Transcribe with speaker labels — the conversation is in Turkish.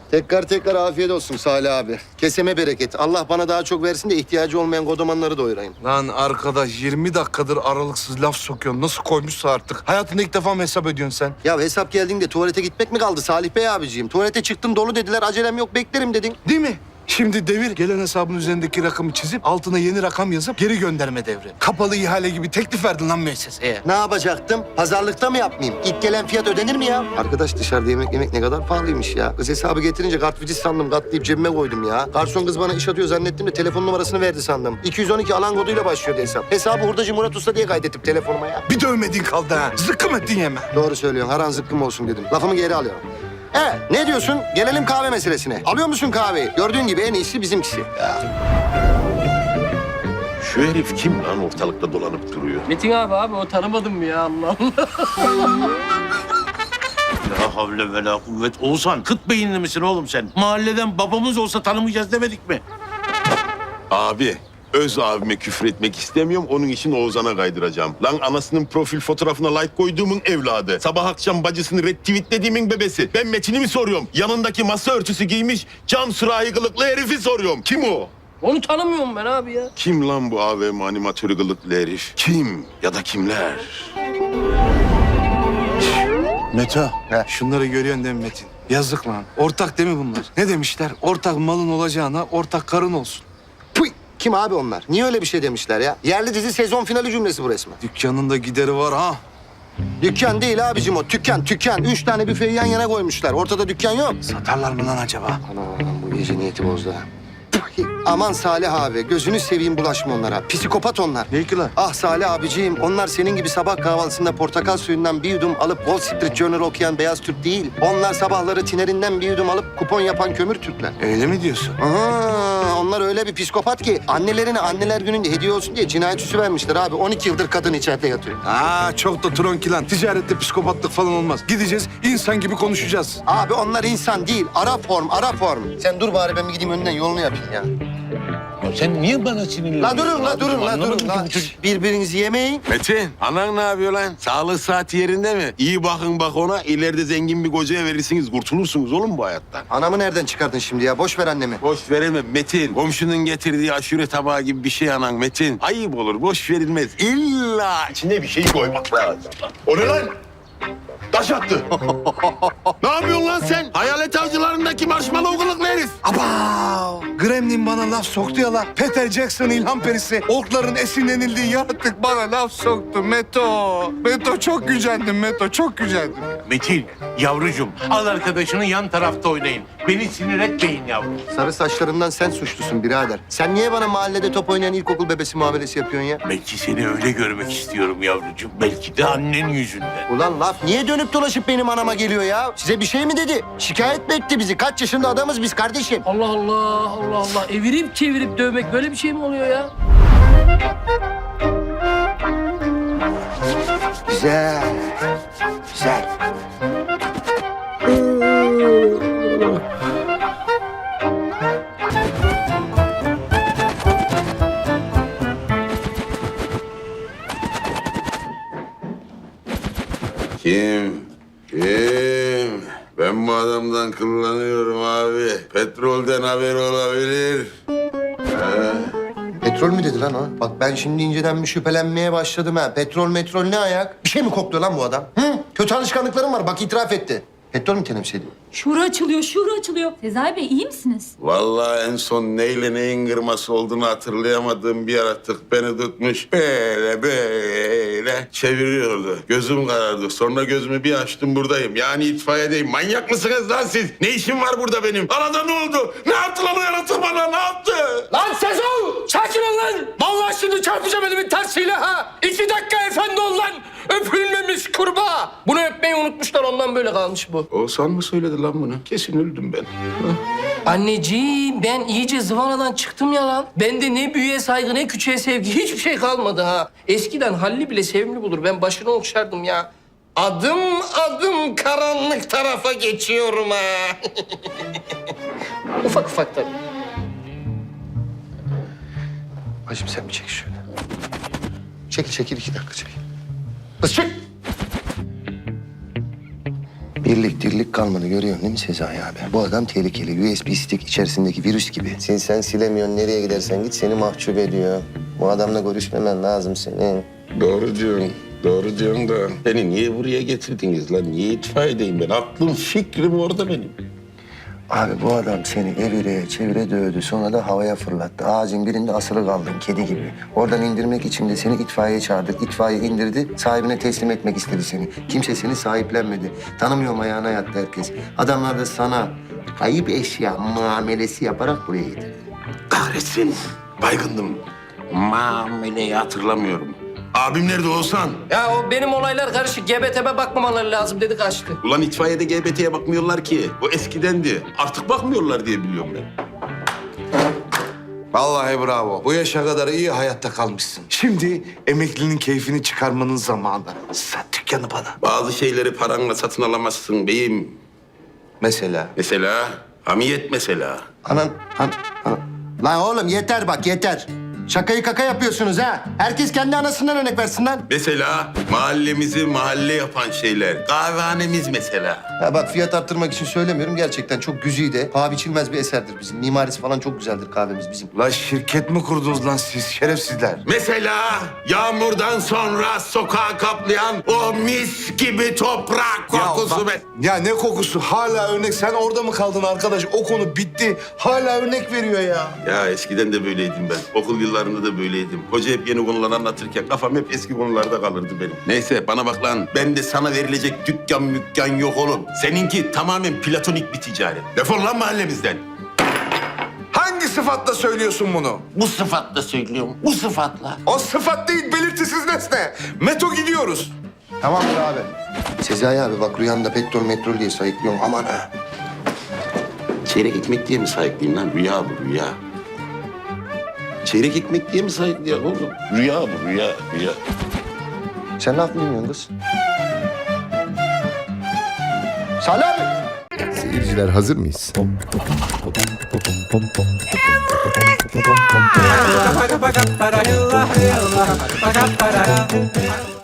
Speaker 1: Tekrar afiyet olsun Salih abi. Keseme bereket. Allah bana daha çok versin de ihtiyacı olmayan kodomanları doyurayım.
Speaker 2: Lan arkadaş 20 dakikadır aralıksız laf sokuyorsun. Nasıl koymuşsa artık. Hayatında ilk defa mı hesap ediyorsun sen?
Speaker 1: Ya hesap geldiğinde tuvalete gitmek mi kaldı Salih Bey abiciğim? Tuvalete çıktım dolu dediler, acelem yok beklerim dedin.
Speaker 2: Değil mi? Şimdi devir gelen hesabın üzerindeki rakamı çizip altına yeni rakam yazıp geri gönderme devri. Kapalı ihale gibi teklif verdin lan müesseseye.
Speaker 1: Ne yapacaktım? Pazarlıkta mı yapmayayım? İlk gelen fiyat ödenir mi ya? Arkadaş dışarıda yemek ne kadar pahalıymış ya. Kız hesabı getirince kartvizit sandım, katlayıp cebime koydum ya. Garson kız bana iş atıyor zannettim de telefon numarasını verdi sandım. 212 alan koduyla başlıyordu hesap. Hesabı hurdacı Murat Usta diye kaydettim telefonuma ya.
Speaker 2: Bir dövmediğin kaldı ha. Zıkkım ettin yeme.
Speaker 1: Doğru söylüyorsun, haran zıkkım olsun dedim. Lafımı geri alıyorum. Ne diyorsun? Gelelim kahve meselesine. Alıyor musun kahveyi? Gördüğün gibi en iyisi bizimkisi.
Speaker 3: Şu herif kim lan ortalıkta dolanıp duruyor?
Speaker 4: Metin abi o tanımadın mı ya Allah Allah.
Speaker 3: La havle ve la kuvvet. Oğuzhan kıt beyinli misin oğlum sen? Mahalleden babamız olsa tanımayacağız demedik mi?
Speaker 5: Abi, öz abime küfür etmek istemiyorum. Onun için Oğuzhan'a kaydıracağım. Lan anasının profil fotoğrafına like koyduğumun evladı. Sabah akşam bacısını retweetlediğimin bebesi. Ben Metin'i mi soruyorum? Yanındaki masa örtüsü giymiş cam sürahi kılıklı herifi soruyorum. Kim o?
Speaker 4: Onu tanımıyorum ben abi ya.
Speaker 5: Kim lan bu AVM animatörü kılıklı herif? Kim ya da kimler?
Speaker 2: Meto, şunları görüyorsun değil mi Metin? Yazık lan. Ortak değil mi bunlar? Ne demişler? Ortak malın olacağına ortak karın olsun.
Speaker 1: Puy! Kim abi onlar? Niye öyle bir şey demişler ya? Yerli dizi sezon finali cümlesi bu resmen.
Speaker 2: Dükkanın da gideri var ha.
Speaker 1: Dükkan değil abicim o. Tükkan. 3 tane büfeyi yan yana koymuşlar. Ortada dükkan yok.
Speaker 2: Satarlar mı lan acaba?
Speaker 1: Anam bu gece niyeti bozdu ha. Aman Salih abi, gözünü seveyim bulaşma onlara. Psikopat onlar.
Speaker 2: Ne ki lan?
Speaker 1: Ah Salih abiciğim, onlar senin gibi sabah kahvaltısında portakal suyundan bir yudum alıp Wall Street Journal okuyan beyaz Türk değil. Onlar sabahları tinerinden bir yudum alıp kupon yapan kömür Türkler.
Speaker 2: Öyle mi diyorsun?
Speaker 1: Aha, onlar öyle bir psikopat ki annelerine anneler gününde hediye olsun diye cinayet süsü vermişler abi. 12 yıldır kadın içeride yatıyor.
Speaker 2: Çok da tronki lan. Ticarette psikopatlık falan olmaz. Gideceğiz, insan gibi konuşacağız.
Speaker 1: Abi onlar insan değil, ara form. Sen dur bari ben bir gideyim önünden yolunu yapayım ya.
Speaker 3: Ya sen niye bana sinirlendin?
Speaker 1: Durun la. Birbirinizi yemeyin.
Speaker 5: Metin, anan ne yapıyor lan? Sağlık saati yerinde mi? İyi bakın bak ona. İleride zengin bir kocaya verirsiniz. Kurtulursunuz oğlum bu hayattan.
Speaker 1: Anamı nereden çıkardın şimdi ya? Boş ver annemi.
Speaker 5: Boş verilme Metin. Komşunun getirdiği aşure tabağı gibi bir şey anan Metin. Ayıp olur, boş verilmez. İlla içine bir şey koymak lazım. O ne lan? Taş attı. Ne yapıyorsun lan sen? Hayalet avcılarındaki marshmallow kılıklı herif.
Speaker 2: Abav! Gremlin bana laf soktu ya la. Peter Jackson ilham perisi. Orkların esinlenildiği yaratık bana laf soktu Meto. Meto çok gücendim Meto, çok gücendim.
Speaker 6: Metin, yavrucuğum al arkadaşını yan tarafta oynayın. Beni sinir etmeyin yavrum.
Speaker 1: Sarı saçlarından sen suçlusun birader. Sen niye bana mahallede top oynayan ilkokul bebesi muamelesi yapıyorsun ya?
Speaker 6: Belki seni öyle görmek istiyorum yavrucuğum. Belki de annen yüzünden.
Speaker 1: Ulan laf niye dönüp dolaşıp benim anama geliyor ya? Size bir şey mi dedi? Şikayet mi etti bizi? Kaç yaşında adamız biz kardeşim?
Speaker 4: Allah Allah. Evirip çevirip dövmek böyle bir şey mi oluyor ya?
Speaker 1: Güzel.
Speaker 5: Kim? Ben bu adamdan kullanıyorum abi. Petrolden haber olabilir.
Speaker 1: Petrol mü dedi lan o? Bak ben şimdi inceden bir şüphelenmeye başladım ha. Petrol ne ayak? Bir şey mi kokluyor lan bu adam? Hı? Kötü alışkanlıklarım var bak itiraf etti. Petrol mü temsil ediyor?
Speaker 7: Şura açılıyor. Sezai Bey iyi misiniz?
Speaker 5: Vallahi en son neyle neyin kırması olduğunu hatırlayamadığım bir yaratık beni tutmuş. Böyle çeviriyordu. Gözüm karardı. Sonra gözümü bir açtım buradayım. Yani itfaiyedeyim. Manyak mısınız lan siz? Ne işim var burada benim? Arada ne oldu? Ne yaptı lan o yaratık bana? Ne yaptı?
Speaker 4: Lan Sezon! Sakin ol lan! Vallahi şimdi çarpacağım elimin tersiyle ha! 2 dakika efendi ol lan! Öpülmemiş kurbağa! Bunu öpmeyi unutmuşlar ondan böyle kalmış bu.
Speaker 5: Oğuzhan mı söyledi lan bunu? Kesin öldüm ben.
Speaker 4: Anneciğim ben iyice zıvanadan çıktım ya lan. Bende ne büyüğe saygı ne küçüğe sevgi hiçbir şey kalmadı ha. Eskiden Halli bile sevimli bulur. Ben başını okşardım ya. Adım adım karanlık tarafa geçiyorum ha. Ufak ufak tabii.
Speaker 1: Hacım sen bir çek şöyle. Çekil 2 dakika çekil. Kız çek. Birlik dirlik kalmadı görüyorsun değil mi Sezai abi? Bu adam tehlikeli. USB stick içerisindeki virüs gibi. Sen silemiyorsun. Nereye gidersen git seni mahcup ediyor. Bu adamla görüşmemen lazım senin.
Speaker 5: Doğru diyorsun. Doğru diyorsun da beni niye buraya getirdiniz lan? Niye itfaiyedeyim ben? Aklım fikrim orada benim.
Speaker 1: Abi bu adam seni evire çevire dövdü. Sonra da havaya fırlattı. Ağacın birinde asılı kaldın kedi gibi. Oradan indirmek için de seni itfaiyeye çağırdık. İtfaiye indirdi. Sahibine teslim etmek istedi seni. Kimse seni sahiplenmedi. Tanımıyorum ayağına yattı herkes. Adamlar da sana kayıp eşya muamelesi yaparak buraya getirdi.
Speaker 5: Kahretsin. Baygındım. Mameleyi hatırlamıyorum. Abim nerede Oğuzhan?
Speaker 4: Ya o benim olaylar karışık. GBT'me bakmamaları lazım dedi kaçtı.
Speaker 5: Ulan itfaiyede GBT'ye bakmıyorlar ki. O eskidendi. Artık bakmıyorlar diye biliyorum ben.
Speaker 2: Vallahi bravo. Bu yaşa kadar iyi hayatta kalmışsın. Şimdi emeklinin keyfini çıkarmanın zamanı. Sat dükkanı bana.
Speaker 5: Bazı şeyleri paranla satın alamazsın beyim.
Speaker 2: Mesela?
Speaker 5: Mesela hamiyet mesela.
Speaker 1: Anan. Lan oğlum yeter bak yeter. Şakayı kaka yapıyorsunuz ha. Herkes kendi anasından örnek versin lan.
Speaker 5: Mesela mahallemizi mahalle yapan şeyler. Kahvehanemiz mesela.
Speaker 1: Ya bak fiyat arttırmak için söylemiyorum. Gerçekten çok güzide, paha biçilmez bir eserdir bizim. Mimarisi falan çok güzeldir kahvemiz bizim.
Speaker 2: La şirket mi kurdunuz lan siz şerefsizler?
Speaker 5: Mesela yağmurdan sonra sokağı kaplayan o mis gibi toprak kokusu.
Speaker 2: Ya ne kokusu? Hala örnek. Sen orada mı kaldın arkadaş? O konu bitti. Hala örnek veriyor ya.
Speaker 5: Ya eskiden de böyleydim ben. Okul yıllarında da böyleydim. Hoca hep yeni konular anlatırken kafam hep eski konularda kalırdı benim. Neyse bana bak lan. Ben de sana verilecek dükkan yok oğlum. Seninki tamamen platonik bir ticaret. Defol lan mahallemizden.
Speaker 2: Hangi sıfatla söylüyorsun bunu?
Speaker 5: Bu sıfatla söylüyorum. Bu sıfatla.
Speaker 2: O sıfat değil, belirtisiz nesne. Meto gidiyoruz.
Speaker 1: Tamamdır abi. Sezai abi bak rüyamda petrol diye sayıklıyorum. Aman ha.
Speaker 5: Çeyrek ekmek diye mi sahipliyim lan? Rüya bu rüya. Çeyrek ekmek diye mi sahipliyim oğlum? Rüya bu rüya.
Speaker 1: Sen ne yaptın bilmiyorsun kız? Salih abi.
Speaker 8: Seyirciler hazır mıyız?